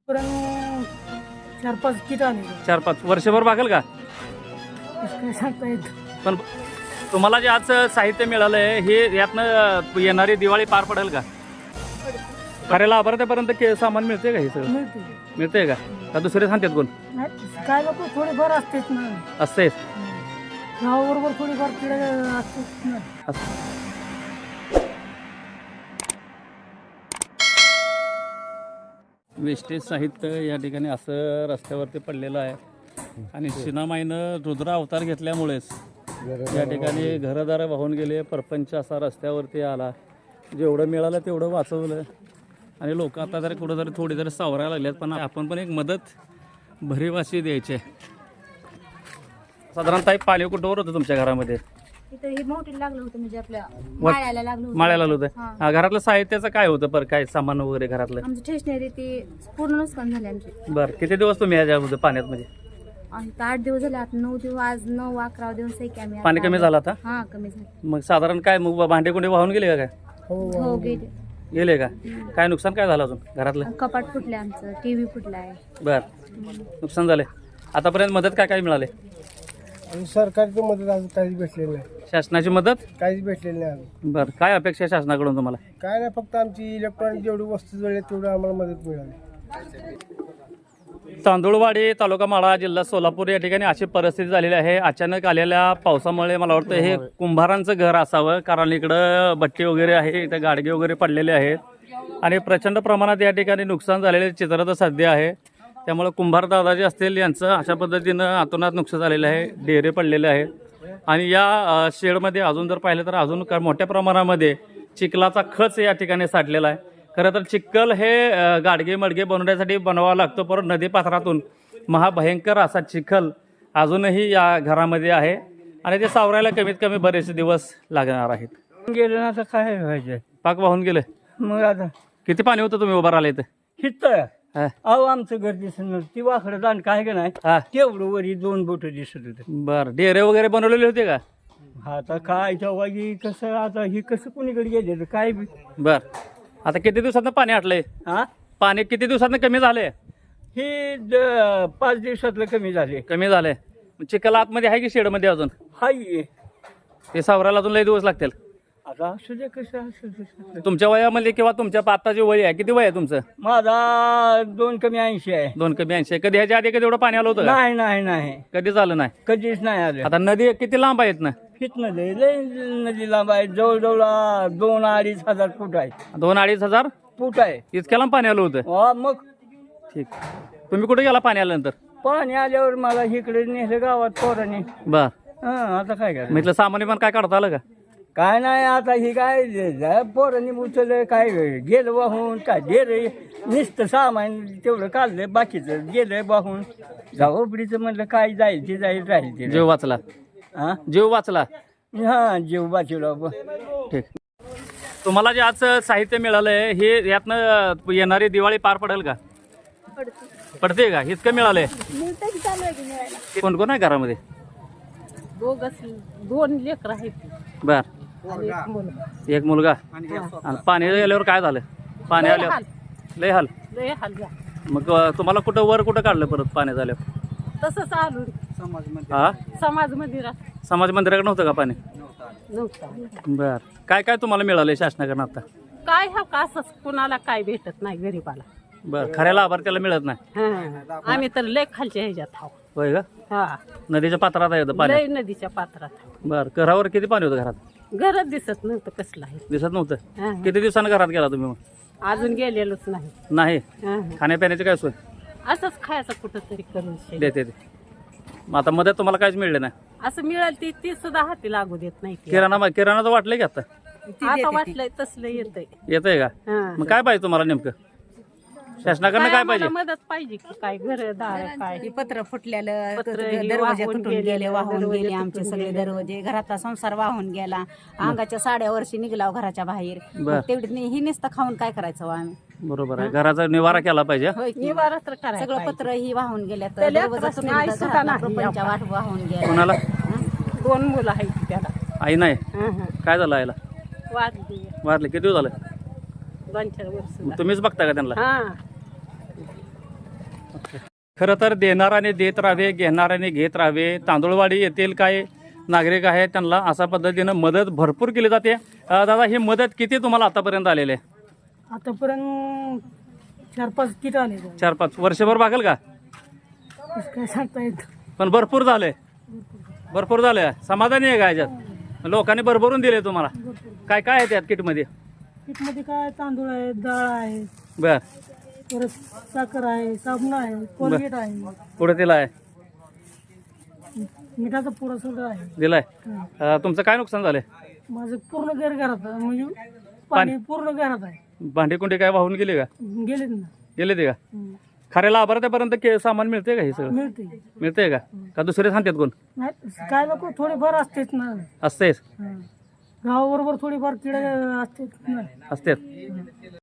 पुरण 4-5 किट आले 4-5 वर्षभर भागेल का? काय सांगता येत. पण तुम्हाला जे आज साहित्य मिळालंय हे यातनं येणारी दिवाळी पार पडेल का? खऱ्या लाभार्थ्यापर्यंत सामान मिळते का? हे सगळं मिळते मिळतंय का दुसरे सांगतात कोण नाही. काय लोक थोडेफार असतेच ना, असते? गावाबरोबर थोडीफार किडे असतेच ना. वेस्टेज साहित्य या ठिकाणी असं रस्त्यावरती पडलेलं आहे आणि सिनामाईनं रुद्र अवतार घेतल्यामुळेच या ठिकाणी घरदारं वाहून गेले, परपंच असा रस्त्यावरती आला. जेवढं मिळालं तेवढं वाचवलं आणि लोक आता जरी कुठं जरी थोडी जरी सावरायला लागल्यात, पण आपण पण एक मदत भरीवाशी द्यायची आहे. साधारणतः एक पाणी कुठंवर होतं तुमच्या घरामध्ये? इथं हे मोठी लागलं होतं, म्हणजे आपल्या माळ्याला लागलं होतं. माळ्याला आलं होतं. घरातलं साहित्याचं काय होतं? पर काय सामान वगैरे घरातलं? आमची स्टेशनरी ती पूर्ण नुकसान झाले आमची. बरं, किती दिवस तुम्ही याच्यामध्ये पाण्यात म्हणजे? आणि 8 दिवस झाले, आता 9 दिवस, आज 9-11 दिवस आहे की आम्ही. पाणी कमी झालं आता? हा, कमी झालं. मग साधारण काय मग भांडे कुंडे वाहून गेले का? काय हो गेले. गेले का? काय नुकसान काय झालं अजून घरातलं? कपाट फुटले, आमचं टीव्ही फुटलाय. बर, नुकसान झाले. आतापर्यंत मदत काय काय मिळाले? सरकारची मदत अजून काहीच भेटलेली नाही. शासनाची मदत काहीच भेटलेली नाही अजून. बर, काय अपेक्षा आहे शासनाकडून तुम्हाला? काय नाही, फक्त आमची इलेक्ट्रॉनिक जेवढी वस्तू जळली तेवढी आम्हाला मदत मिळाली. तांदूळवाडी, तालुका माढा, जिल्हा सोलापूर या ठिकाणी अशी परिस्थिती झालेली आहे. अचानक आलेल्या पावसामुळे मला वाटतं हे कुंभारांचं घर असावं, कारण इकडं भट्टी वगैरे आहे, इथं गाडगे वगैरे पडलेले आहेत आणि प्रचंड प्रमाणात या ठिकाणी नुकसान झालेले चित्र तर सध्या आहे. त्यामुळे कुंभार दादा जे असतील यांचं अशा पद्धतीनं अतोनात नुकसान झालेलं आहे. डेरे पडलेले आहेत आणि या शेडमध्ये अजून जर पाहिलं तर अजून मोठ्या प्रमाणामध्ये चिखलाचा खच या ठिकाणी साठलेला आहे. खरं तर चिखल हे गाडगे मडगे बनवण्यासाठी बनवावा लागतो, परंतु नदीपात्रातून महाभयंकर असा चिखल अजूनही या घरामध्ये आहे आणि ते सावरायला कमीत कमी बरेचसे दिवस लागणार आहेत. गेलं ना, आता काय व्हायचं? पाक वाहून गेले. मग आता किती पाणी होतं तुम्ही उभं राहिले इथं? हिथं हा. अहो, आमचं घर दिसत नव्हतं. ती वाकडं जाण काय का नाही, हा. तेवढं वरी 2 बोट दिसत होते. बरं, डेरे वगैरे बनवलेले होते का? आता काय तेव्हा कसं, आता ही कसं कुणीकडे गेले काय बी. बर, आता किती दिवसातनं पाणी आटलंय? हा, पाणी किती दिवसातनं कमी झालंय? हे 5 दिवसातलं कमी झाले. कमी झालंय. चिखल आतमध्ये आहे की शेडमध्ये अजून? हाय, ते सावरायला अजून लई दिवस लागतील. आता असू दे, कसं असू दे. तुमच्या वयामध्ये किंवा तुमच्या आत्ताचे वय आहे, किती वय आहे तुमचं? माझा 2 कमी 80 आहे. 2 कमी 80. कधी ह्याच्या आधी कधी एवढं पाणी आलं होतं का? नाही नाही नाही, कधी झालं नाही. कधीच नाही आलं. आता नदी किती लांब आहेत ना? हितनं लय नदी लांब आहे, जवळजवळ 2-2.5 हजार फूट आहे. 2-2.5 हजार फूट आहे. इतक्या लांब पाणी आलं होतं? मग ठीक. तुम्ही कुठे गेला पाणी आल्यानंतर? पाणी आल्यावर मला इकडे नेलं गावात पोरांनी. बर, आता काय करायचं? म्हटलं सामान्य पण काय काढता आलं का? काय नाही, आता ही काय पोरांनी उचललं, काय गेलं वाहून, काय गेलं नुसतं सामान तेवढं काढलं, बाकीचं गेलं वाहून. जावबडीचं म्हणलं काय जाईल ते जाईल, राहील ते. जीव वाचला? हा, जीव वाचला. हा, जीव वाचवला. ठीक. तुम्हाला जे आज साहित्य मिळालंय हे यातनं येणारी दिवाळी पार पडेल का? पडते का? इतकं मिळालंय? चालू आहे की मिळायला. कोण कोण आहे घरामध्ये? 2 लेकरं आहेत. बर, एक मुलगा. आणि पाणी गेल्यावर काय झालं? पाणी आल्यावर लय हाल. लय हाल झाला. मग तुम्हाला कुठं वर कुठं काढलं परत पाणी झाल्यावर? तसंच आलो हा, समाज मंदिरात. समाज मंदिराकडे नव्हतं का पाणी? नव्हतं. बर, काय काय तुम्हाला मिळालंय शासनाकडनं आता? काय हा का, असंच कुणाला काय भेटत नाही गरीबाला. बर, खऱ्या लाभार्थ्याला मिळत नाही? आम्ही तर लय खालच्या ह्याच्यात आहोत. होय का? हा, नदीच्या पात्रात आहे पाणी? लय नदीच्या पात्रात. बर, घरावर किती पाणी होतं? घरात घरात दिसत नव्हतं कसलं आहे. दिसत नव्हतं? हा. किती दिवसानं घरात गेला तुम्ही? मग अजून गेलेलोच नाही. नाही? हा. खाण्यापिण्याची काय सोय? असंच खायचं कुठं तरी करून शे. देते ते. मग आता मदत तुम्हाला काहीच मिळलं नाही? असं मिळेल ती सुद्धा हाती लागू देत नाही की. किराणाचं वाटलंय की आता? आता वाटलंय तसलं येतंय. येतंय का? हा. मग काय पाहिजे तुम्हाला नेमकं? शासनाकडनं काय पाहिजे? आम्हाला मदत पाहिजे की काय, घरदार काय. हे पत्र फुटलेलं, पत्र हे दरवाजे वाहून तुटून गेले, गेले, वाहून दरवाजे गेले आमचे तुटून सगळे गेले. दरवाजे, घराचा संसार वाहून गेला, अंगाच्या साड्या वर्षी निघलाव घराच्या बाहेर. बर. तेवढी ही नुसतं खाऊन काय करायचं हो आम्ही? बरोबर आहे, घराचा निवारा केला पाहिजे. होय की? निवारा तर करायला सगळं पाहिजे. पत्र ही वाहून गेल्या, त्या दरवाजा लेकरासनी तुटून आई गेला, सुद्धा घरातला नाही. प्रपंच वाट वाहून गेला. कोणाला? 2 मुलं आहेत त्याला. आई नाही? काय झालं आईला? वाढली वारले किती दिवस झालं? 2-4 वर्ष. मग तुम्हीच बघता का त्यांना? हा, खरं तर देणाऱ्याने देत राहावे, घेणाऱ्याने घेत राहावे. तांदूळवाडी येथील काही नागरिक आहेत त्यांना अशा पद्धतीनं मदत भरपूर केली जाते. दादा, ही मदत किती तुम्हाला आतापर्यंत आलेली आहे? आतापर्यंत 4-5 किट आले. 4-5 वर्षभर भागेल का? काय सांगता येत. पण भरपूर झाले, भरपूर झाले. समाधानी आहे का याच्यात? लोकांनी भरभरून दिले तुम्हाला? काय काय आहे त्यात किटमध्ये? किटमध्ये काय तांदूळ आहे, डाळ आहे, बर, परत साखर आहे, साबण आहे, कोलगेट आहे, पुढे दिला आहे, मिठाचा पुडा सुद्धा आहे. दिलाय. तुमचं काय नुकसान झालंय? माझं पूर्ण घर घरात आहे, म्हणजे पाणी पूर्ण घरात आहे. भांडी कुंडी काय वाहून गेली का? गेलेत ना. गेले ते का? खऱ्या लाभार्थ्यापर्यंत सामान मिळते का? हे सगळं मिळते. मिळते का दुसरे सांगतात कोण? नाही काय नको, थोडेफार असतेच ना. असतेच, गावाबरोबर थोडीफार किडे असतेच ना. असतेच.